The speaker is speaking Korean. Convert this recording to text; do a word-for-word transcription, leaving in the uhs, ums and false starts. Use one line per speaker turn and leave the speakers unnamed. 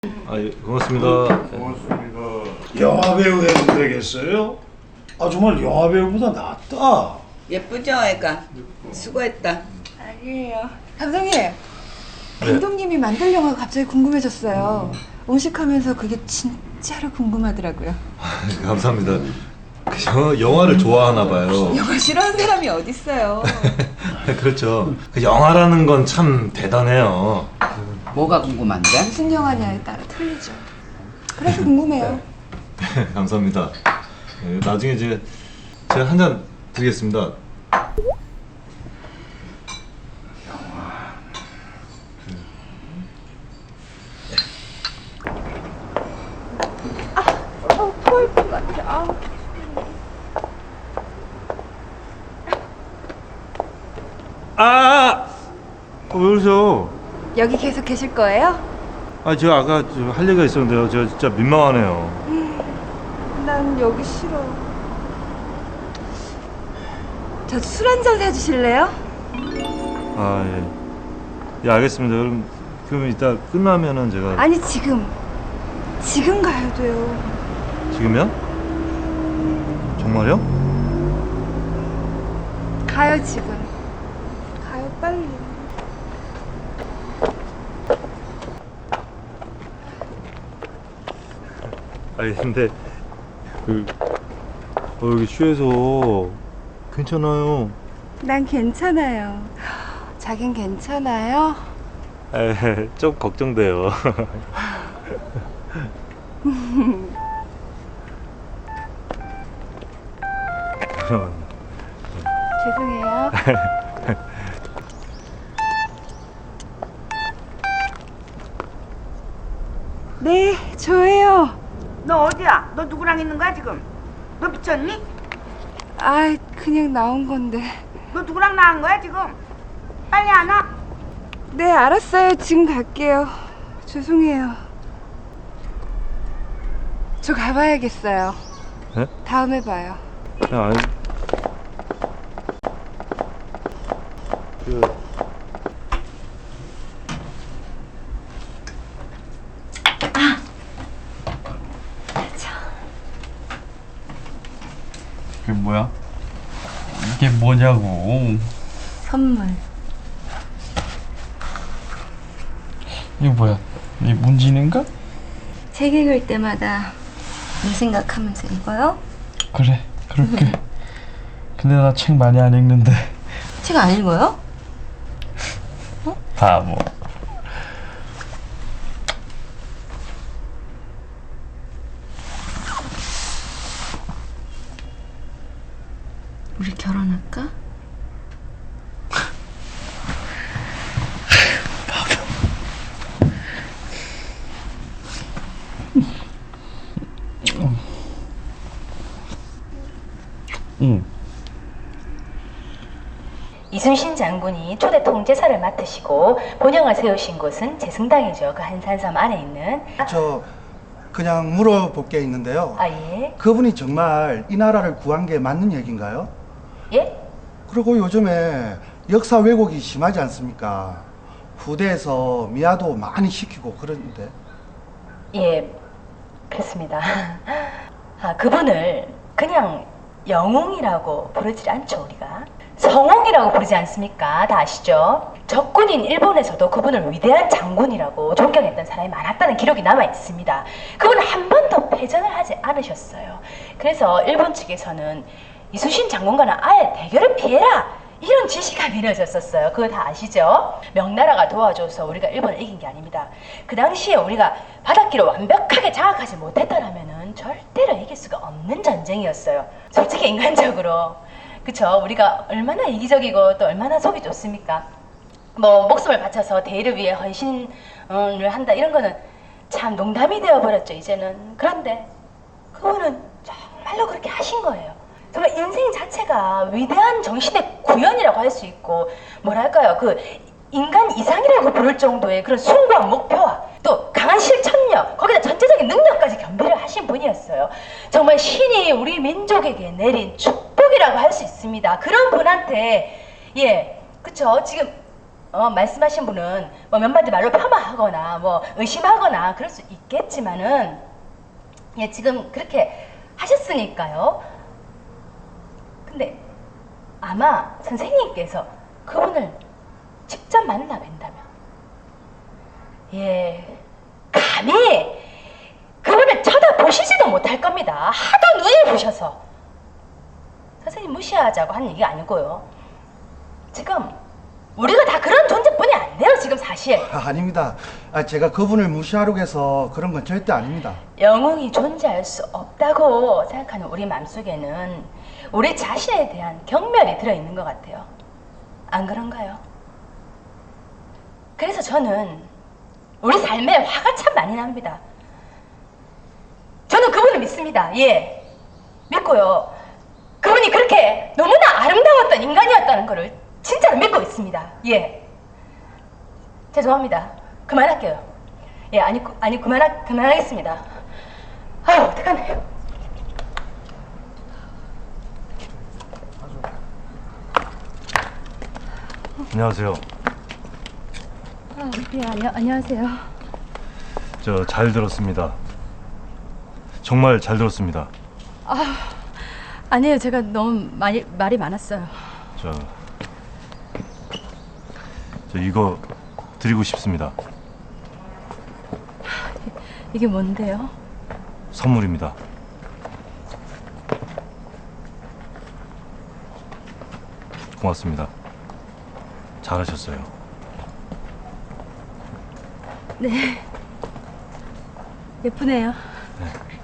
아, 예, 고맙습니다.
고맙습니다. 영화 배우 해도 되겠어요? 아 정말 영화 배우보다 낫다.
예쁘죠, 애가? 수고했다.
아니에요. 감독님, 감독님이 만들 영화가 갑자기 궁금해졌어요. 음식하면서 그게 진짜로 궁금하더라고요.
감사합니다. 그 영화, 영화를 좋아하나 봐요.
영화 싫어하는 사람이 어딨어요.
그렇죠. 그 영화라는 건 참 대단해요.
뭐가 궁금한데?
무슨 영화냐에 따라 틀리죠. 그래서 궁금해요.
네, 감사합니다. 네, 나중에 이제 제가 한 잔 드리겠습니다.
어, 토할 것 같아. 아.
아! 어, 왜 그러세요?
여기 계속 계실 거예요?
아, 제가 아까 저 할 얘기가 있었는데요. 제가 진짜 민망하네요.
난 여기 싫어. 저 술 한 잔 사주실래요?
아, 예. 예, 알겠습니다. 그럼, 그럼 이따 끝나면은 제가.
아니 지금. 지금 가야 돼요.
지금요? 정말요?
가요 지금. 가요 빨리.
아니, 근데, 그, 어, 여기 취해서 괜찮아요.
난 괜찮아요. 자긴 괜찮아요?
에, 좀 걱정돼요.
죄송해요. 네, 저예요.
너 어디야? 너 누구랑 있는 거야 지금? 너 미쳤니?
아, 그냥 나온 건데.
너 누구랑 나간 거야 지금? 빨리 안 와?
네, 알았어요. 지금 갈게요. 죄송해요. 저 가봐야겠어요.
네?
다음에 봐요.
야, 아니. 그,
그게 뭐야? 이게 뭐냐고.
선물.
이거 뭐야? 이게 문진인가?
책 읽을 때마다 이 생각하면서 읽어요?
그래, 그럴게. 근데 나 책 많이 안 읽는데.
책 안 읽어요?
바보.
우리 결혼할까?
응.
이순신 장군이 초대 통제사를 맡으시고 본영을 세우신 곳은 재승당이죠. 그 한산섬 안에 있는.
저 그냥 물어볼 게 있는데요.
아 예?
그분이 정말 이 나라를 구한 게 맞는 얘기인가요?
예?
그리고 요즘에 역사 왜곡이 심하지 않습니까? 후대에서 미아도 많이 시키고 그러는데.
예, 그렇습니다. 아, 그분을 그냥 영웅이라고 부르지 않죠, 우리가. 성웅이라고 부르지 않습니까? 다 아시죠? 적군인 일본에서도 그분을 위대한 장군이라고 존경했던 사람이 많았다는 기록이 남아 있습니다. 그분은 한 번도 패전을 하지 않으셨어요. 그래서 일본 측에서는 이순신 장군과는 아예 대결을 피해라! 이런 지시가 내려졌었어요. 그거 다 아시죠? 명나라가 도와줘서 우리가 일본을 이긴 게 아닙니다. 그 당시에 우리가 바닷길을 완벽하게 장악하지 못했더라면은 절대로 이길 수가 없는 전쟁이었어요. 솔직히 인간적으로. 그쵸? 우리가 얼마나 이기적이고 또 얼마나 속이 좋습니까? 뭐 목숨을 바쳐서 대의를 위해 헌신을 한다 이런 거는 참 농담이 되어버렸죠 이제는. 그런데 그분은 정말로 그렇게 하신 거예요. 정말 인생 자체가 위대한 정신의 구현이라고 할 수 있고 뭐랄까요 그 인간 이상이라고 부를 정도의 그런 숭고한 목표와 또 강한 실천력 거기다 전체적인 능력까지 겸비를 하신 분이었어요. 정말 신이 우리 민족에게 내린 축복이라고 할 수 있습니다. 그런 분한테 예 그쵸 지금 어, 말씀하신 분은 뭐 몇 마디 말로 폄하하거나 뭐 의심하거나 그럴 수 있겠지만은 예, 지금 그렇게 하셨으니까요. 근데 아마 선생님께서 그분을 직접 만나 뵌다면 예, 감히 그분을 쳐다보시지도 못할 겁니다. 하도 눈을 부셔서. 선생님 무시하자고 한 얘기가 아니고요. 지금 우리가 다 그런 존재뿐이 안 돼요, 지금 사실.
아, 아닙니다. 아, 제가 그분을 무시하려고 해서 그런 건 절대 아닙니다.
영웅이 존재할 수 없다고 생각하는 우리 마음속에는 우리 자신에 대한 경멸이 들어있는 것 같아요. 안 그런가요? 그래서 저는 우리 삶에 화가 참 많이 납니다. 저는 그분을 믿습니다. 예, 믿고요. 그분이 그렇게 너무나 아름다웠던 인간이었다는 것을 진짜로 믿고 있습니다. 예, 죄송합니다. 그만할게요. 예, 아니, 그- 아니 그만하, 그만하겠습니다. 아유, 어떡하네.
안녕하세요.
아, 예, 안녕, 안녕하세요.
저 잘 들었습니다. 정말 잘 들었습니다.
아니에요, 제가 너무 많이, 말이 많았어요.
저, 저 이거 드리고 싶습니다.
이게 뭔데요?
선물입니다. 고맙습니다. 잘하셨어요.
네. 예쁘네요.
네.